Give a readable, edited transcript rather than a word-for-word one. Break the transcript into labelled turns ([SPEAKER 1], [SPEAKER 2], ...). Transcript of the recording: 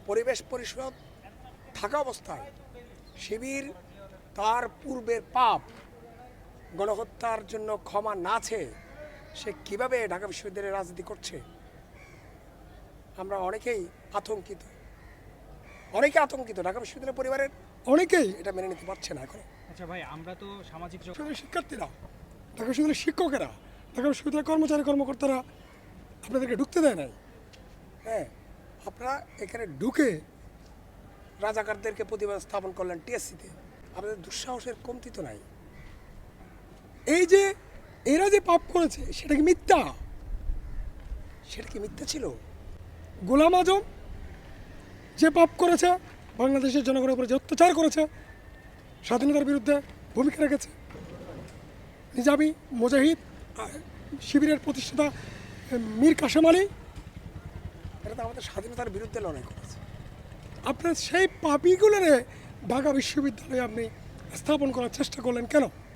[SPEAKER 1] পরিবেশ পরিষদ থাকা অবস্থায় শিবির তার পূর্বের পাপ গণহত্যার জন্য ক্ষমা না চেয়ে সে কীভাবে ঢাকা বিশ্ববিদ্যালয়ে রাজনীতি করছে আমরা অনেকেই আতঙ্কিত। ঢাকা বিশ্ববিদ্যালয় পরিবারের অনেকেই এটা মেনে নিতে পারছে না এখন।
[SPEAKER 2] আচ্ছা ভাই, আমরা তো সামাজিক
[SPEAKER 1] শিক্ষার্থীরা, ঢাকা বিশ্ববিদ্যালয়ের শিক্ষকেরা, ঢাকা বিশ্ববিদ্যালয়ের কর্মচারী কর্মকর্তারা আপনাদেরকে ঢুকতে দেয় নাই। হ্যাঁ, আপনারা এখানে ঢুকে রাজাকারদেরকে প্রতিবাদ স্থাপন করলেন টিএসসিতে। আপনাদের দুঃসাহসের কমতি তো নাই। এই যে এরা যে পাপ করেছে সেটা কি মিথ্যা? ছিল? গোলাম আজম যে পাপ করেছে, বাংলাদেশের জনগণের উপরে যে অত্যাচার করেছে, স্বাধীনতার বিরুদ্ধে ভূমিকা রেখেছে, নিজামী মুজাহিদ শিবিরের প্রতিষ্ঠাতা মীর কাসেম আলী, এটা তো আমাদের স্বাধীনতার বিরুদ্ধে লড়াই করেছে। আপনার সেই পাপীগুলোরে ঢাকা বিশ্ববিদ্যালয়ে আপনি স্থাপন করার চেষ্টা করলেন কেন?